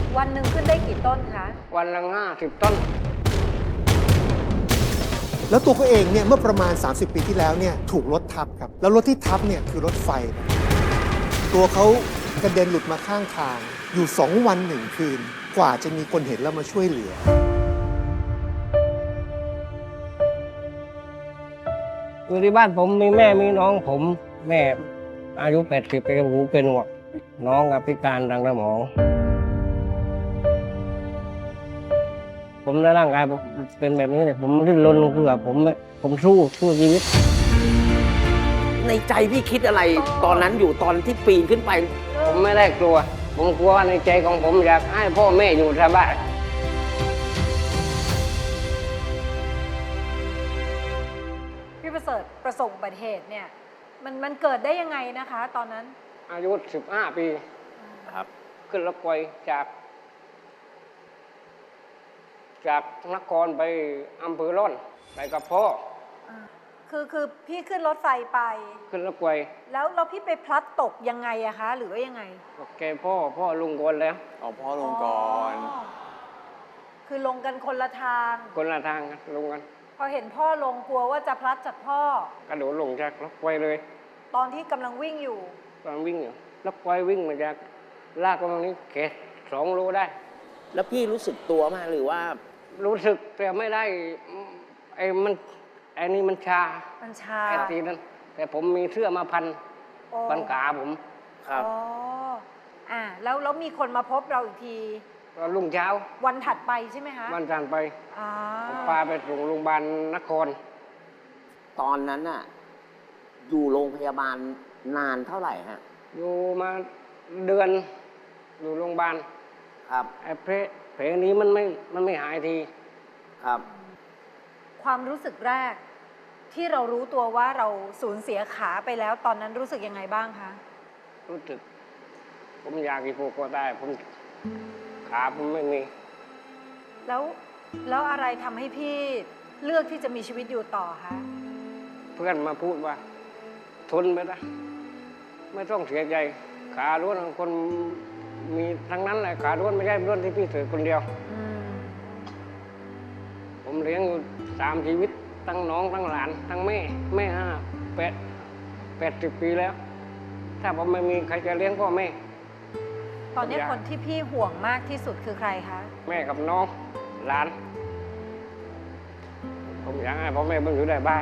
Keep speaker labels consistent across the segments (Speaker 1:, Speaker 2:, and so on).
Speaker 1: วันหนึ่งขึ้นได้กี่ต้นคะ
Speaker 2: วันละ50 ต้น
Speaker 3: แล้วตัวเขาเองเนี่ยเมื่อประมาณ 30 ปีที่แล้วเนี่ยถูกรถทับครับ แล้วรถที่ทับเนี่ยคือรถไฟครับตัวเขากระเด็นหลุดมาข้างทาง อยู่ 2 วัน 1 คืน กว่าจะมีคนเห็นแล้วมาช่วยเหลือ
Speaker 2: อยู่ที่บ้านผมมีแม่มีน้องผมแม่อายุ80ปีหูเป็นหนวกน้องพิการทางสมอง ผมในร่างกายผมเป็นแบบนี้เนี่ยผมดิ้นรนคือแบบผมสู้ชีวิต
Speaker 4: ในใจพี่คิดอะไรตอนนั้นอยู่ตอนที่ปีนขึ้นไป
Speaker 2: ผมไม่ได้กลัว ผมกลัวว่าในใจของผมอยากให้พ่อแม่อยู่สบาย
Speaker 1: พี่ประเสริฐประสบอุบัติเหตุเนี่ยมันเกิดได้ยังไงนะคะ ตอนนั้น
Speaker 2: อายุ15 ปี
Speaker 4: ครับ
Speaker 2: ขึ้นรถไฟจากนครไปอำเภอร่อนไปกับพ่อ
Speaker 1: คือพี่ขึ้นรถไฟไป
Speaker 2: ขึ้นรถไฟ
Speaker 1: แล้วพี่ไปพลัดตกยังไงอะคะ หรือว่ายังไง
Speaker 2: แกพ่อลุงก่อนแล้ว
Speaker 5: เอาพ่อลงก่อน
Speaker 1: คือลงกันคนละทาง
Speaker 2: คนละทางกันลงกัน
Speaker 1: พอเห็นพ่อลงกลัวว่าจะพลัดจากพ่อ
Speaker 2: กระโดดลงจากรถไฟเลย
Speaker 1: ตอนที่กำลังวิ่งอยู่
Speaker 2: ตอนวิ่งอยู่รถไฟวิ่งมาจากลากประมาณนี้แค่2 โลได้
Speaker 4: แล้วพี่รู้สึกตัวมากหรือว่า
Speaker 2: รู้สึกแต่ไม่ได้ไอ้นี่มันชา
Speaker 1: มันชา
Speaker 2: ไอ้ทีนั้น แต่ผมมีเสื้อมาพัน
Speaker 1: โอ้
Speaker 2: ขาผม
Speaker 4: ครับ
Speaker 1: อ๋อแล้วมีคนมาพบเราอีกที
Speaker 2: ตอนรุ่งเช้า
Speaker 1: วันถัดไปใช่ไหมคะ
Speaker 2: วันจันทร์ไป
Speaker 1: อ่า
Speaker 2: ผมพาไปส่งโรงพยาบาลนคร
Speaker 4: ตอนนั้นน่ะอยู่โรงพยาบาลนานเท่าไหร่ฮะ
Speaker 2: อยู่มาเดือนอยู่โรงพยาบาล
Speaker 4: ครับ
Speaker 2: ไอ้เพลงนี้มันไม่หายที
Speaker 4: ครับ
Speaker 1: ความรู้สึกแรก ที่เรารู้ตัวว่าเราสูญเสียขาไปแล้ว ตอนนั้นรู้สึกยังไงบ้างคะ
Speaker 2: รู้สึก ผมอยากกินผูกคอได้ผมขาผมไม่มี
Speaker 1: แล้วอะไรทำให้พี่เลือกที่จะมีชีวิตอยู่ต่อคะ
Speaker 2: เพื่อนมาพูดว่า ทนไปนะไม่ต้องเสียใจ ขาล้วนของคนมีทั้งนั้นแหละขาล้วนไม่ใช่ล้วนที่พี่เสือคนเดียว
Speaker 1: อืม
Speaker 2: ผมเลี้ยงอยู่3 ชีวิตทั้งน้องทั้งหลานทั้งแม่80 ปีแล้ว ถ้าผมไม่มีใครจะเลี้ยงพ่อแม่
Speaker 1: ตอนนี้
Speaker 2: ผมอยาก
Speaker 1: คนที่พี่ห่วงมากที่สุดคือใครคะ
Speaker 2: แม่กับน้องหลาน ผมอยากให้พ่อแม่เบิ่งอยู่ได้บ้าง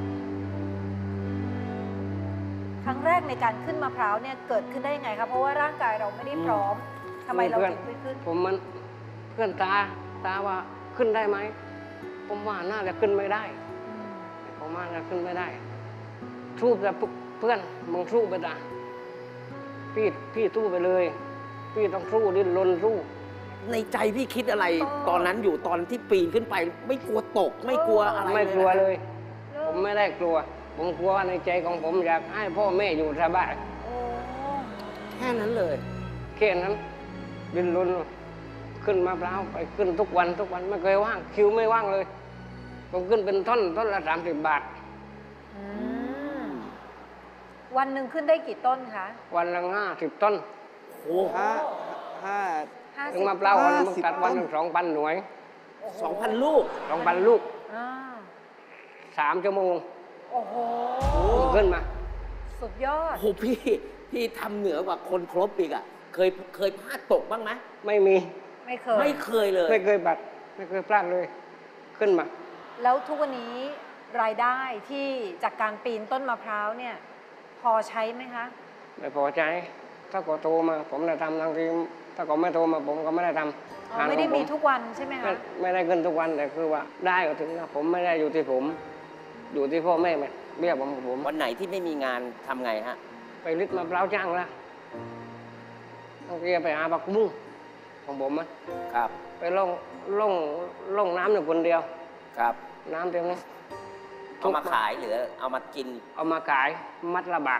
Speaker 1: ครั้งแรกในการขึ้นมะพร้าวเนี่ยเกิดขึ้นได้ยังไงคะเพราะว่าร่างกายเราไม่ได้พร้อมทำไมเราถึงไม่ขึ้น
Speaker 2: ผมมันเพื่อนตาว่าขึ้นได้ไหมผมว่าน่าจะขึ้นไม่ได้
Speaker 1: อืม
Speaker 2: ผมว่าน่าจะขึ้นไม่ได้สู้แต่เพื่อนมึงสู้ไปนะพี่สู้ไปเลย พี่ต้องสู้ดิ้นรนสู้
Speaker 4: ในใจพี่คิดอะไรตอนนั้นอยู่ตอนที่ปีนขึ้นไป ไม่กลัวตกไม่กลัวอะไร
Speaker 2: ไม่กลัว
Speaker 4: นะ
Speaker 2: เลย ผมไม่ได้กลัว ผมกลัวว่าในใจของผมอยากให้พ่อแม่อยู่สบาย
Speaker 1: โอ้
Speaker 4: แค่นั้นเลย
Speaker 2: แค่นั้นดิ้นรนขึ้นมะพร้าวไปขึ้นทุกวันไม่เคยว่างคิวไม่ว่างเลย ผมขึ้นเป็นท่อนละ30 บาท
Speaker 1: อืมวันหนึ่งขึ้นได้กี่ต้นคะ
Speaker 2: วันละ50 ต้น
Speaker 4: โอ้
Speaker 5: ห้าห้า
Speaker 2: ถึงมะพร้าววันมึง
Speaker 5: 50
Speaker 2: ตัดวันห
Speaker 5: ต้
Speaker 2: นึ่
Speaker 5: น
Speaker 2: ง2,000 หน่วย
Speaker 4: 2,000 ลูก
Speaker 2: 2,000 ลูก
Speaker 1: อ่า
Speaker 2: 3 ชั่วโมง
Speaker 1: โอ้โห
Speaker 2: ผมขึ้นมา
Speaker 1: สุดยอด
Speaker 4: โอ้พี่ทำเหนือกว่าคนครบอีกอ่ะเคยพลาดตกบ้างไหม
Speaker 2: ไม่มี
Speaker 1: ไม่เคย
Speaker 4: ไม่เคยเลย
Speaker 2: ไม่เคยบัดไม่เคยพลาดเลย ขึ้นมา
Speaker 1: แล้วทุกวันนี้รายได้ที่จากการปีนต้นมะพร้าวเนี่ย พอใช้ไหมคะ
Speaker 2: ไม่พอใจ ถ้าก็โทรมา ผมได้ทำทังทีถ้าก็ไม่โทรมาผมก็ไม่ได้ทำ
Speaker 1: อ๋อไม่ได้มีทุกวันใช่ไหม
Speaker 2: ไม่
Speaker 1: คะ
Speaker 2: ไม่ได้เงินทุกวันแต่คือว่าได้ก็ถึงนะผมไม่ได้อยู่ที่ผม อยู่ที่พ่อแม่ไหมเบี้ยผม
Speaker 4: วันไหนที่ไม่มีงานทำไงฮะ
Speaker 2: ไปริดมะพร้าวจ้างละต้องเกียไปหาผักบุ้งของผมอะ
Speaker 4: ครับ
Speaker 2: ไปล่องน้ำอยู่คนเดียว
Speaker 4: ครับ
Speaker 2: น้ำเต็มเลย
Speaker 4: เอามาขายหรือเอามากิน
Speaker 2: เอามาขายมัดละบาท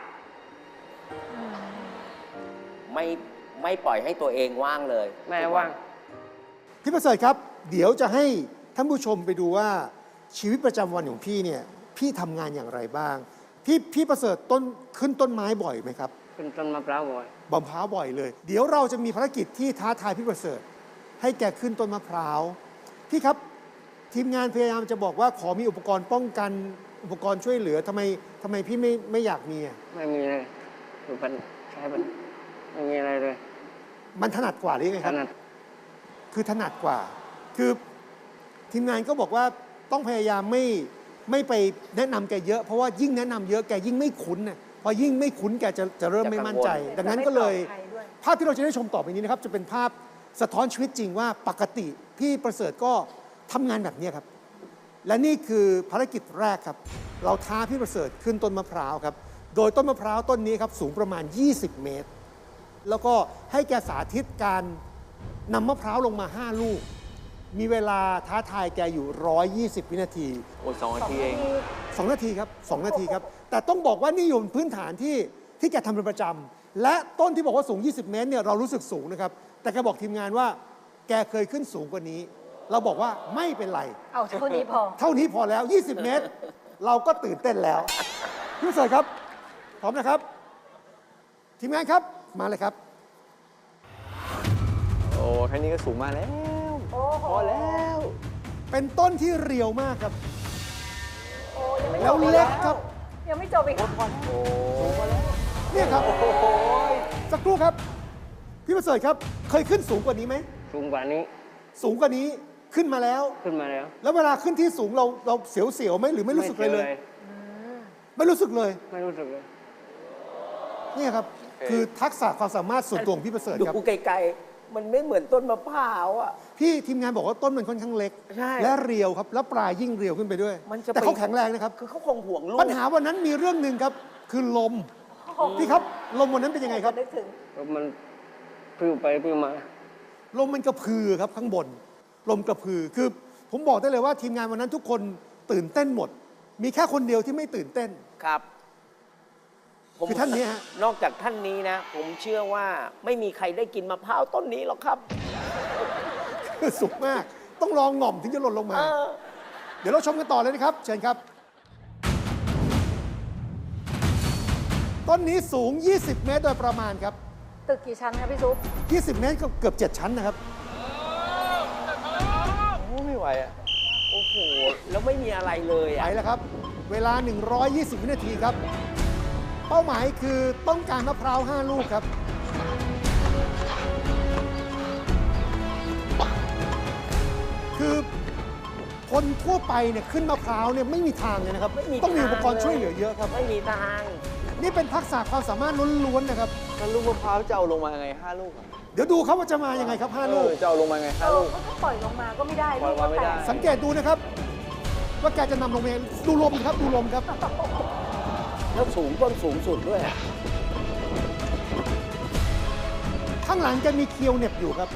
Speaker 4: ไม่ปล่อยให้ตัวเองว่างเลย
Speaker 2: แม่ว่าง
Speaker 3: พี่ประเสริฐครับ เดี๋ยวจะให้ท่านผู้ชมไปดูว่าชีวิตประจำวันของพี่เนี่ยพี่ทำงานอย่างไรบ้าง พี่ประเสริฐขึ้นต้นไม้บ่อยไหมครับ
Speaker 2: ขึ้นต้นมะพร้าวบ่อย
Speaker 3: บำพร้าวบ่อยเลย เดี๋ยวเราจะมีภารกิจที่ท้าทายพี่ประเสริฐให้แกขึ้นต้นมะพร้าวพี่ครับทีมงานพยายามจะบอกว่าขอมีอุปกรณ์ป้องกันอุปกรณ์ช่วยเหลือทำไมพี่ไม่อยากมีอ่ะ
Speaker 2: ไม่มีเลยคือมันใช้มันไม่มีอะไรเลย
Speaker 3: มันถนัดกว่าหรือยังไง
Speaker 2: ข
Speaker 3: ครับ
Speaker 2: นาด
Speaker 3: คือถนัดกว่า คือทีมงานก็บอกว่าต้องพยายามไม่ไปแนะนำแกเยอะเพราะว่ายิ่งแนะนำเยอะแกยิ่งไม่คุ้นน่ะพอยิ่งไม่คุ้นแกจะเริ่มไม่มั่นใจ ดังนั้นก็เลย
Speaker 1: จะไม่ปลอดภัยด้วย
Speaker 3: ภาพที่เราจะได้ชมต่อไปนี้นะครับ จะเป็นภาพสะท้อนชีวิตจริงว่าปกติพี่ประเสริฐก็ทำงานแบบนี้ครับ และนี่คือภารกิจแรกครับ เราท้าพี่ประเสริฐขึ้นต้นมะพร้าวครับ โดยต้นมะพร้าวต้นนี้ครับสูงประมาณ 20 เมตร แล้วก็ให้แกสาธิตการนำมะพร้าวลงมา 5 ลูก มีเวลาท้าทายแกอยู่ 120 วินาที
Speaker 5: โอ้2 นาทีเอง
Speaker 3: 2 นาทีครับ 2 นาทีครับ แต่ต้องบอกว่านี่อยู่บนพื้นฐานที่แกทำเป็นประจำ และต้นที่บอกว่าสูง 20 เมตรเนี่ยเรารู้สึกสูงนะครับ แต่แกบอกทีมงานว่าแกเคยขึ้นสูงกว่านี้ เราบอกว่าไม่เป็นไร
Speaker 1: เอาเท่านี้พอ
Speaker 3: เท่านี้พอแล้ว 20 เมตร เราก็ตื่นเต้นแล้วพี่ประเสริฐครับ พร้อมนะครับ ทีมงานครับ มาเลยครับ
Speaker 5: โอ้แค่นี้ก็สูงมากแล้ว
Speaker 1: โอ้โห
Speaker 5: พอแล้ว
Speaker 3: เป็นต้นที่เรียวมากครับ
Speaker 1: โอ้ยังไม่จ
Speaker 3: แล้ว
Speaker 1: บอี
Speaker 3: เล็กครับ
Speaker 1: ยังไม่จบอีก
Speaker 5: โอ้
Speaker 3: เนี่ยครับ
Speaker 5: โห
Speaker 3: สักครู่ครับ พี่ประเสริฐครับ เคยขึ้นสูงกว่านี้ไหม
Speaker 2: สูงกว่านี้
Speaker 3: สูงกว่านี้ขึ้นมาแล้ว
Speaker 2: ขึ้นมาแล้ว
Speaker 3: แล้วเวลาขึ้นที่สูงเราเสียวๆไหมหรือไม่รู้สึกเลยเลย ไม่รู้สึกเลย
Speaker 2: ไม่รู้สึกเลย
Speaker 3: เนี่ยครับ คือทักษะความสามารถส่วนตัวของพี่ประเสริฐครับ
Speaker 4: ดูไกลๆ มันไม่เหมือนต้นมะพร้าวอ่ะ
Speaker 3: พี่ทีมงานบอกว่าต้นมันค่อนข้างเล็ก
Speaker 4: ใช่
Speaker 3: และเรียวครับ แล้วปลายยิ่งเรียวขึ้นไปด้วย
Speaker 4: มันจะ
Speaker 3: แต่เขาแข็งแรงนะครับ
Speaker 4: คือเขาคงห่วงลูก
Speaker 3: ปัญหาวันนั้นมีเรื่องหนึ่งครับ คือลม พี่ครับ ลมวันนั้นเป็นยังไงครับ
Speaker 1: นึกถึง
Speaker 2: แล้วมันปลิวไปปลิวมา
Speaker 3: ลมมันกระพือครับข้างบน ลมกระพือ คือผมบอกได้เลยว่าทีมงานวันนั้นทุกคนตื่นเต้นหมด มีแค่คนเดียวที่ไม่ตื่นเต้น
Speaker 4: ครับ
Speaker 3: คือท่านนี้ฮะ
Speaker 4: นอกจากท่านนี้นะ ผมเชื่อว่าไม่มีใครได้กินมะพร้าวต้นนี้หรอกครับ
Speaker 3: คือสุกมาก ต้องลองหง่อมถึงจะหล่นลงมา
Speaker 4: เออ
Speaker 3: เดี๋ยวเราชมกันต่อเลยนะครับ เชิญครับ ต้นนี้สูง 20 เมตรโดยประมาณครับ
Speaker 1: ตึกกี่ชั้นครับพี่ซุป
Speaker 3: 20 เมตรก็เกือบ 7 ชั้นนะครับ
Speaker 5: โอ้ไม่ไหวอ่ะ
Speaker 4: โอ้โห แล้วไม่มีอะไรเลย
Speaker 3: ไป
Speaker 4: อ่ะ
Speaker 3: แล้วครับ เวลา 120 วินาทีครับ เป้าหมายคือต้องการมะพร้าว 5 ลูกครับ คือคนทั่วไปเนี่ยขึ้นมะพร้าวเนี่ยไม่มีทางเลยนะครับ
Speaker 4: ไม่มี
Speaker 3: ต้องมีอุปกรณ์
Speaker 4: ทางเลย
Speaker 3: ช่วยเหลือเยอะครับ
Speaker 4: ไม่มีทาง
Speaker 3: นี่เป็นทักษะความสามารถล้วนๆนะครับ
Speaker 5: ถ้าลูกมะพร้าวจะเอาลงมาไง5 ลูกอะ
Speaker 3: เดี๋ยวดูครับว่าจะมายังไงครับ 5 ลูก
Speaker 5: จะเอาลงมาไง5 ลูก
Speaker 1: เขาก็ปล่อยลงมาก็ไม่ได้
Speaker 5: ปล่อยมาไม่ได้
Speaker 1: ลูกก็แตก
Speaker 3: สังเกตดูนะครับ ว่าแกจะนำลงมายังไงดูลมครับ ดูลมครับ
Speaker 4: แล้วสูงต้นสูงสุดด้วยอะ
Speaker 3: ข้างหลังแกมีเคียวเหน็บอยู่ครับ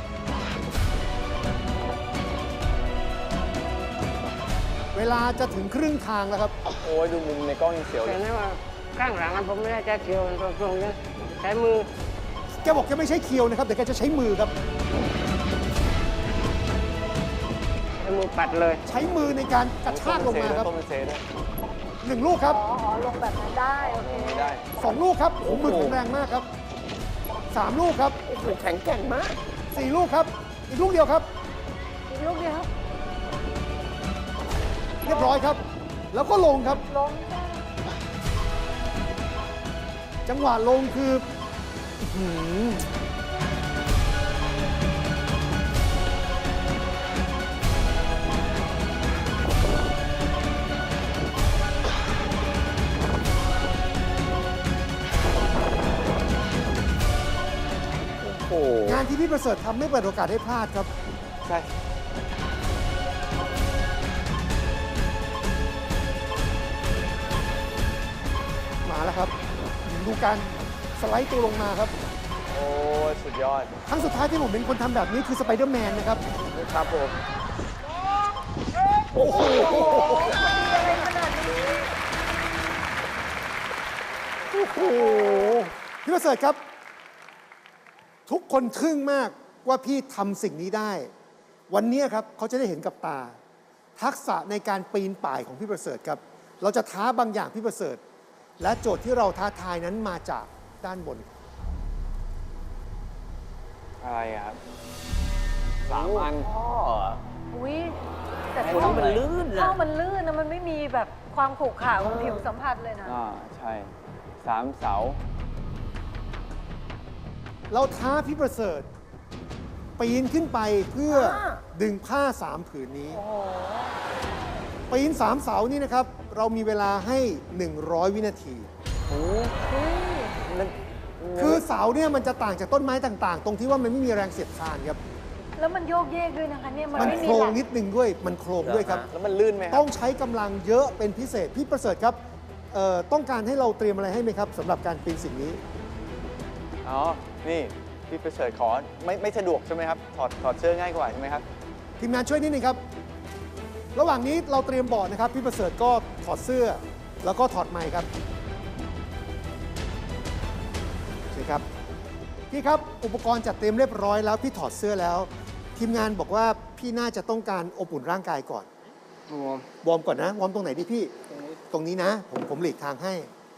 Speaker 3: เวลาจะถึงครึ่งทางแล้วครับ
Speaker 5: โอ้ยดูมุมในกล้องยังเสียวเล
Speaker 2: แต่
Speaker 5: ย
Speaker 2: นี่ว่าข้างหลังนั้นผมไม่ได้ใช้เคียวตรงนี้ใช้มือ
Speaker 3: แกบอกแกไม่ใช้เคียวนะครับแต่แกจะใช้มือครับ
Speaker 2: ใช้มือปัดเลย
Speaker 3: ใช้มือในการกระชากลงมาครับ
Speaker 5: ต้องเป็นเซด้วย
Speaker 3: 1 ลูกครับ
Speaker 1: อ๋อลงแบบนั้นได้โอเค
Speaker 5: ไม่ได้
Speaker 3: 2 ลูกครับโอ้โหมือแข็งแรงมากครับ 3 ลูกครับ
Speaker 4: โอ้โหแข็งแกร่งมาก
Speaker 3: 4 ลูกครับ อีกลูกเดียวครับ
Speaker 1: อีกลูกเดียว
Speaker 3: เรียบร้อยครับ แล้วก็ลงครับ
Speaker 1: ลง
Speaker 3: จังหวะลงคืออื้อหือ
Speaker 5: โอ้โห
Speaker 3: งานที่พี่ประเสริฐทำไม่เปิดโอกาสให้พลาดครับ
Speaker 5: ใช่
Speaker 3: มาแล้วครับ ดูการสไลด์ตัวลงมาครับ
Speaker 5: โอ้ยสุดยอด
Speaker 3: ครั้งสุดท้ายที่ผมเป็นคนทำแบบนี้คือสไปเดอร์แมนนะครับ
Speaker 5: ครับผม
Speaker 3: โอ้โห
Speaker 1: อะไรขนาดนี้
Speaker 3: โอ้โหพี่ประเสริฐครับ ทุกคนทึ่งมากว่าพี่ทำสิ่งนี้ได้ วันนี้ครับเขาจะได้เห็นกับตา ทักษะในการปีนป่ายของพี่ประเสริฐครับ เราจะท้าบางอย่างพี่ประเสริฐ และโจทย์ที่เราท้าทายนั้นมาจากด้านบน
Speaker 5: อะไรอะครับ 3 อัน
Speaker 4: พ่อ
Speaker 1: อุ้ยแต่
Speaker 4: ไอ้
Speaker 1: ท่อ
Speaker 4: นี่มันลื่นนะ
Speaker 1: ท่อมันลื่นนะมันไม่มีแบบความขรุขระของผิวสัมผัสเลยนะ
Speaker 5: ใช่ 3 เสา
Speaker 3: เราท้าพี่ประเสริฐปีนขึ้นไปเพื่อดึงผ้า3 ผืนนี้
Speaker 1: โอ้โห
Speaker 3: ปีน3 เสานี่นะครับ เรามีเวลาให้ 100 วินาที
Speaker 1: เฮ้ย
Speaker 3: คือเสาเนี่ยมันจะต่างจากต้นไม้ต่างๆ ตรงที่ว่ามันไม่มีแรงเสียดทานครับ
Speaker 1: แล้วมันโยกเยกด้วยนะคะเนี่ย มัน
Speaker 3: มัน
Speaker 1: ไม่
Speaker 3: โค
Speaker 1: มี
Speaker 3: รง
Speaker 1: หลัก
Speaker 3: นิดนึงด้วย มันโครงด้วยครับ
Speaker 5: แล้วมันลื่นไหมค
Speaker 3: ต้
Speaker 5: รั
Speaker 3: อบ งใช้กำลังเยอะเป็นพิเศษ พี่ประเสริฐครับต้องการให้เราเตรียมอะไรให้ไหมครับสำหรับการปีนสิ่งนี้
Speaker 5: อ๋อ นี่พี่ประเสริฐขอไม่สะดวกใช่ไหมครับ ถอดเสื้อง่ายกว่าใช่ไหมครับ
Speaker 3: ทีมงานช่วยนิดนึงครับ ระหว่างนี้เราเตรียมบอร์ดนะครับ พี่ประเสริฐก็ถอดเสื้อ แล้วก็ถอดไมค์ครับใช่ครับ พี่ครับ อุปกรณ์จัดเตรียมเรียบร้อยแล้ว พี่ถอดเสื้อแล้ว ทีมงานบอกว่าพี่น่าจะต้องการอบอุ่นร่างกายก่อน วอร์มก่อนนะ วอร์มตรงไหนดีพี่ ตรงนี้นะ ผมหลีกทางให้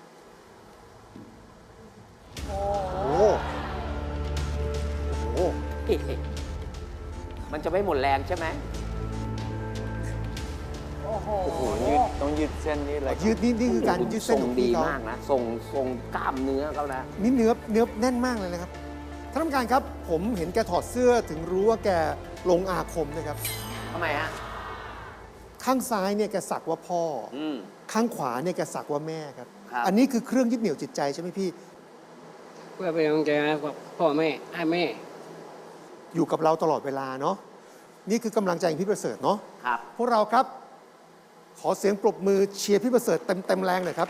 Speaker 3: โอ้โหโอ้โห
Speaker 4: มันจะไม่หมดแรงใช่ไหม
Speaker 1: โอ้โห
Speaker 5: โอ้โหต้องยืดเส้นนี้เลย
Speaker 3: ยืดนี่คือการยืดเส้นของ
Speaker 4: ดี
Speaker 3: พี่เขา
Speaker 4: มากนะทรงกล้ามเนื้อเขานะ
Speaker 3: นี่เนื้อแน่นมากเลยนะครับท่านผู้การครับ ผมเห็นแกถอดเสื้อถึงรู้ว่าแกลงอาคมนะครับ
Speaker 4: ทำไมฮะ
Speaker 3: ข้างซ้ายเนี่ยแกสักว่าพ่อ
Speaker 4: อืม
Speaker 3: ข้างขวาเนี่ยแกสักว่าแม่ครับ
Speaker 4: ครับ
Speaker 3: อันนี้คือเครื่องยึดเหนี่ยวจิตใจใช่ไหมพี่
Speaker 2: เพื่อเป็นกำลังใจให้กับพ่อแม่ให้แม่
Speaker 3: อยู่กับเราตลอดเวลาเนาะ นี่คือกำลังใจของพี่ประเสริฐเนาะ
Speaker 4: ครับ
Speaker 3: พวกเราครับ ขอเสียงปรบมือเชียร์พี่ประเสริฐเต็มแรงเลยครับ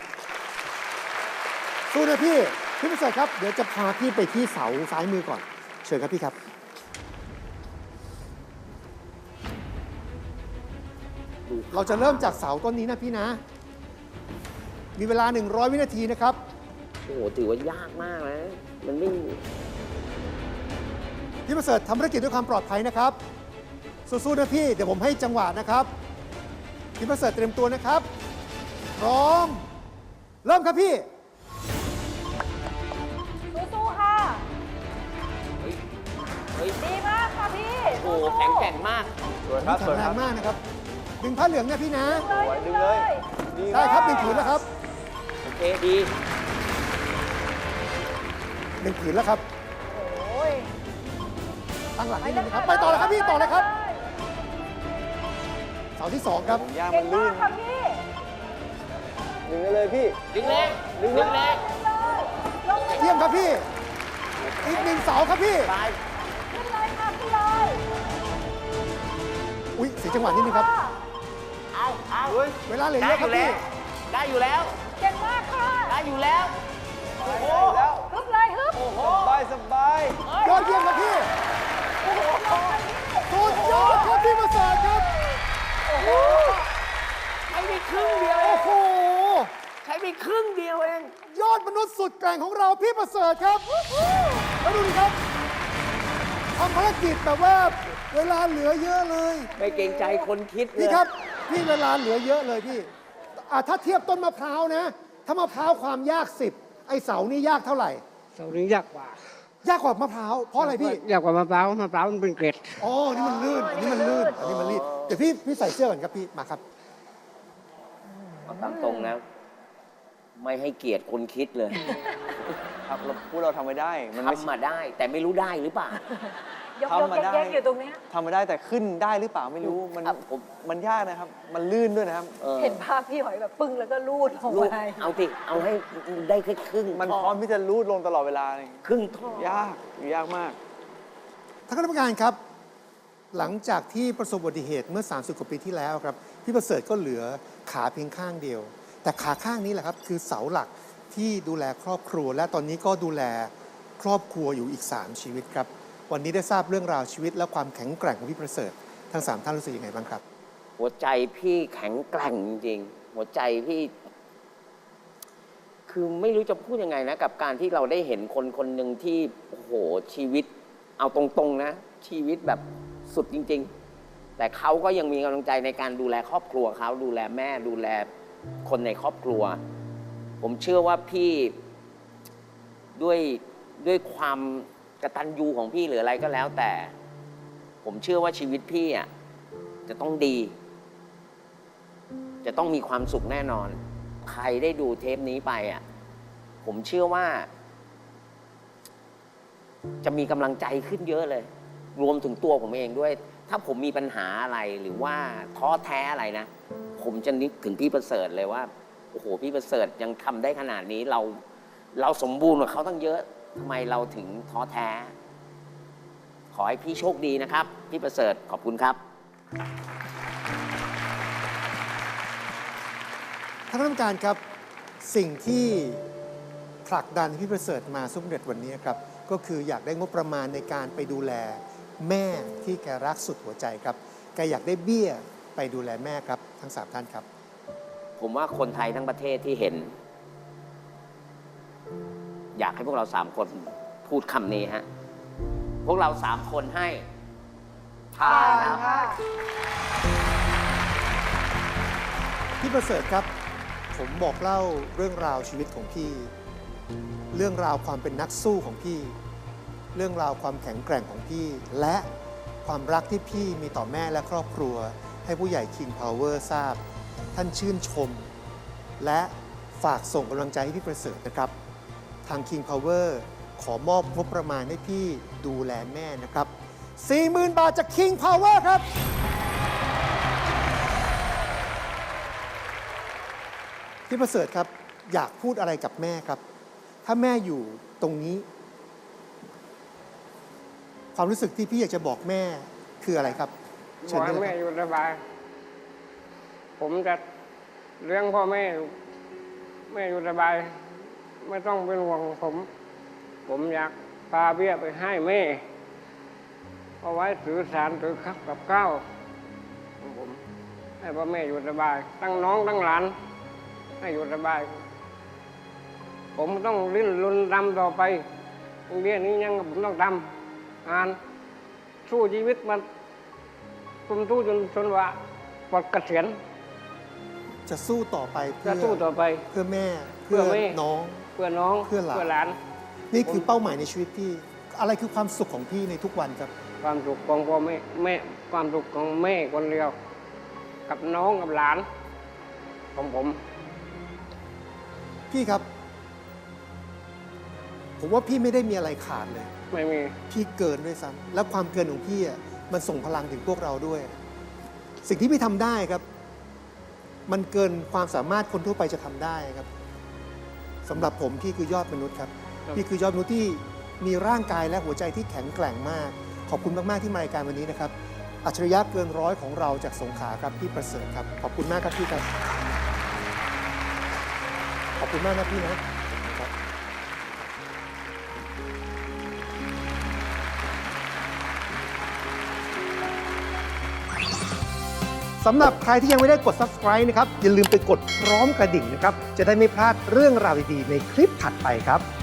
Speaker 3: สู้นะพี่ พี่ประเสริฐครับ เดี๋ยวจะพาพี่ไปที่เสาซ้ายมือก่อน เชิญครับพี่ครับ เราจะเริ่มจากเสาต้นนี้นะพี่นะ มีเวลา 100 วินาทีนะครับ
Speaker 4: โอ้โห ถือว่ายากมากนะ มันไม่
Speaker 3: พี่ประเสริฐทำภารกิจด้วยความปลอดภัยนะครับ สู้ๆนะพี่ เดี๋ยวผมให้จังหวะนะครับ พี่ประเสริฐเตรียมตัวนะครับ พร้อม เริ่มครับพี่
Speaker 1: สู้ๆค่ะ
Speaker 4: เฮ้ย
Speaker 1: ดีมากค่ะพี่
Speaker 4: โอ้โห
Speaker 1: สู้ๆ
Speaker 4: แข็งแกร่งมาก
Speaker 5: สวยครับ ส
Speaker 3: แข็
Speaker 5: ว
Speaker 3: ง
Speaker 5: ย
Speaker 3: แร
Speaker 5: ครั
Speaker 3: ง
Speaker 5: บ
Speaker 3: มากนะครับ ดึงผ้าเหลืองนะพี่นะ
Speaker 5: สวยดึงเลยดี
Speaker 3: ได้ครับ1 ผืนแล้วครับ
Speaker 4: โอเค ดี
Speaker 3: 1 ผืนแล้วครับ
Speaker 1: โอ้ย
Speaker 3: ตั้งหลังนิดนึงนะครับ ไปต่อเลยครับพี่ ต่อเลยครับ เสาที่ 2 ครับ
Speaker 5: ผมย่าง
Speaker 1: เก่
Speaker 5: มัน
Speaker 1: ง
Speaker 5: ลื่
Speaker 1: มาน กค่ะพี่
Speaker 5: ดึงได้เลยพี่
Speaker 4: ดึงแรง
Speaker 5: ดึ
Speaker 4: ดึ
Speaker 5: ง
Speaker 4: ง
Speaker 5: เลย
Speaker 4: แรง
Speaker 1: ลงเลย
Speaker 3: เยี่ยมครับพี่ อีก1 เสาครับพี่
Speaker 4: ตาย
Speaker 1: ขึ้นเลยค่ะขึ้นเลย
Speaker 3: อุ๊ยเสียจังหวะนิดนึงครับ
Speaker 4: เอา
Speaker 5: เฮ้ย
Speaker 3: เวลาเหลือเย
Speaker 4: ได้
Speaker 3: อะ
Speaker 4: อ
Speaker 3: ครับ
Speaker 4: ยู่แล้
Speaker 3: พี่
Speaker 4: ว ได้อยู่แล้ว
Speaker 1: เก่งมากค่ะ
Speaker 4: ได้อยู่แล้ว
Speaker 5: โอ้โหแล้ว
Speaker 1: ฮึบเลยฮึบ
Speaker 5: สบายสบาย
Speaker 3: ยอดเยี่ยมครับพี่สุดยอดครับพี่ประเสริฐครับ
Speaker 4: ใช้ไปครึ่งเดียวเอ
Speaker 3: โอ้
Speaker 4: ง
Speaker 3: โห
Speaker 4: ใช้ไปครึ่งเดียวเอง
Speaker 3: ยอดมนุษย์สุดแกร่งของเราพี่ประเสริฐครับ แล้วดูดิครับทำภารกิจแบบว่าเวลาเหลือเยอะเลย
Speaker 4: ไม่เกรงใจคนคิดเลย
Speaker 3: พี่ครับ พี่เวลาเหลือเยอะเลยพี่ถ้าเทียบต้นมะพร้าวนะ ถ้ามะพร้าวความยาก10ไอเสานี่ยากเท่าไหร่
Speaker 2: เสานี้ยากกว่าย
Speaker 3: ากกว่ามะพร้าวเพราะอะไรพี่
Speaker 2: ยากกว่ามะพร้าวมันเป็นเกล็ด
Speaker 3: อ๋อนี่มันลื่นอันนี้มันลื่นอันนี้มันลื่นเดี๋ยวพี่ใส่เสื้อก่อนครับพี่มาครับ
Speaker 4: เอาตามตรงนะ ไม่ให้เกียรติคนคิดเลย
Speaker 5: ครับพวกเราทำไม่ได้ มันไม่
Speaker 4: ทำมาได้ แต่ไม่รู้ได้หรือเปล่า
Speaker 1: ยก
Speaker 5: ทำมาได้
Speaker 1: แยกๆอยู่ตรงเนี้ย
Speaker 5: ทำไม่ได้แต่ขึ้นได้หรือเปล่าไม่รู้
Speaker 4: ครับผม
Speaker 5: มันยากนะครับ มันลื่นด้วยนะครับ
Speaker 1: เห็นภาพพี่หอยแบบปึ้งแล้วก็ลูดลง
Speaker 4: ลูก
Speaker 1: ไป
Speaker 4: เอาสิเอาให้ได้แค่ครึ่ง
Speaker 5: มัน
Speaker 4: ท่
Speaker 5: พร้อมที่จะรูดลงตลอดเวลาเลย
Speaker 4: ครึ่งท่อย
Speaker 5: ากยากมาก
Speaker 3: ท่านคณะกรรมการครับ หลังจากที่ประสบอุบัติเหตุเมื่อ 30 กว่าปีที่แล้วครับ พี่ประเสริฐก็เหลือขาเพียงข้างเดียว แต่ขาข้างนี้แหละครับ คือเสาหลักที่ดูแลครอบครัว และตอนนี้ก็ดูแลครอบครัวอยู่อีก 3 ชีวิตครับ วันนี้ได้ทราบเรื่องราวชีวิตและความแข็งแกร่งของพี่ประเสริฐทั้ง 3 ท่านรู้สึกยังไงบ้างครับ
Speaker 4: หัวใจพี่แข็งแกร่งจริงๆ หัวใจพี่ คือไม่รู้จะพูดยังไงนะ กับการที่เราได้เห็นคนคนหนึ่งที่โอ้โหชีวิต เอาตรงๆนะ ชีวิตแบบสุดจริง ๆ แต่เขาก็ยังมีกำลังใจในการดูแลครอบครัวเขาดูแลแม่ดูแลคนในครอบครัว ผมเชื่อว่าพี่ด้วยความกตัญญูของพี่หรืออะไรก็แล้ว แต่ผมเชื่อว่าชีวิตพี่อ่ะจะต้องดี จะต้องมีความสุขแน่นอน ใครได้ดูเทปนี้ไปอ่ะผมเชื่อว่า จะมีกำลังใจขึ้นเยอะเลย รวมถึงตัวผมเองด้วย ถ้าผมมีปัญหาอะไรหรือว่าท้อแท้อะไรนะ ผมจะนึกถึงพี่ประเสริฐเลยว่าโอ้โหพี่ประเสริฐยังทำได้ขนาดนี้เราสมบูรณ์กว่าเขาตั้งเยอะทำไมเราถึงท้อแท้ ขอให้พี่โชคดีนะครับ พี่ประเสริฐขอบคุณครับ
Speaker 3: ท่านผู้การครับสิ่งที่ผลักดันพี่ประเสริฐมาสำเร็จวันนี้ครับก็คืออยากได้งบประมาณในการไปดูแลแม่ที่แกรักสุดหัวใจครับแกอยากได้เบี้ยไปดูแลแม่ครับทั้ง3ท่านครับ
Speaker 4: ผมว่าคนไทยทั้งประเทศที่เห็น อยากให้พวกเรา3 คนพูดคำนี้ฮะพวกเรา3 คนให้ผ่านครับ
Speaker 3: พี่ประเสริฐครับผมบอกเล่าเรื่องราวชีวิตของพี่ เรื่องราวความเป็นนักสู้ของพี่ เรื่องราวความแข็งแกร่งของพี่ และความรักที่พี่มีต่อแม่และครอบครัว ให้ผู้ใหญ่ King Power ทราบ ท่านชื่นชม และฝากส่งกำลังใจให้พี่ประเสริฐนะครับ ทาง King Power ขอมอบงบประมาณให้พี่ดูแลแม่นะครับ 40,000 บาทจาก King Power ครับ พี่ประเสริฐครับอยากพูดอะไรกับแม่ครับ ถ้าแม่อยู่ตรงนี้ ความรู้สึกที่พี่อยากจะบอกแม่คืออะไรครับ
Speaker 2: บ
Speaker 3: เชิ
Speaker 2: อ
Speaker 3: ญ
Speaker 2: ก
Speaker 3: ได้
Speaker 2: ให้
Speaker 3: เลย
Speaker 2: แม่
Speaker 3: ครับ
Speaker 2: อยู่สบาย ผมจะเลี้ยงพ่อแม่อยู่สบาย ไม่ต้องเป็นห่วงผมอยากพาเบี้ยไปให้แม่เอาไว้ถือสารถือคับกับข้าวของผมให้พ่อแม่อยู่สบายตั้งน้องตั้งหลานให้อยู่สบาย ผมต้องลิ้นรนดำต่อไปเบี้ยนี้ยังผมต้องทำงานสู้ชีวิตมาผมสู้จนว่าปลดเกษียณ
Speaker 3: จะสู้ต่อไปเพื่
Speaker 2: จะสู้ต่อไป
Speaker 3: เพื่อแม่
Speaker 2: เพื่
Speaker 3: เพื่
Speaker 2: อ
Speaker 3: อ
Speaker 2: แม่
Speaker 3: น้อง
Speaker 2: เพื่อน้อง
Speaker 3: เพื่อหลาน
Speaker 2: น
Speaker 3: นี่คือเป้าหมายในชีวิตพี่ อะไรคือความสุขของพี่ในทุกวันครับ
Speaker 2: ความสุขของพ่อแม่ความสุขของแม่คนเดียว กับน้องกับหลานของผม
Speaker 3: พี่ครับ ผมว่าพี่ไม่ได้มีอะไรขาดเลย
Speaker 2: ไม่มี
Speaker 3: พี่เกินด้วยซ้ำและความเกินของพี่อ่ะมันส่งพลังถึงพวกเราด้วย สิ่งที่พี่ทำได้ครับ มันเกินความสามารถคนทั่วไปจะทำได้ครับสำหรับผมพี่คือยอดมนุษย์ครับ
Speaker 2: ครับ
Speaker 3: พี่คือยอดมนุษย์ที่มีร่างกายและหัวใจที่แข็งแกร่งมาก ขอบคุณมากๆที่มารายการวันนี้นะครับ อัจฉริยะเกินร้อยของเราจากสงขลาครับพี่ประเสริฐครับขอบคุณมากครับพี่ครับขอบคุณมากนะพี่นะครับ สำหรับใครที่ยังไม่ได้กด subscribe นะครับ อย่าลืมไปกดพร้อมกระดิ่งนะครับ จะได้ไม่พลาดเรื่องราวดีๆในคลิปถัดไปครับ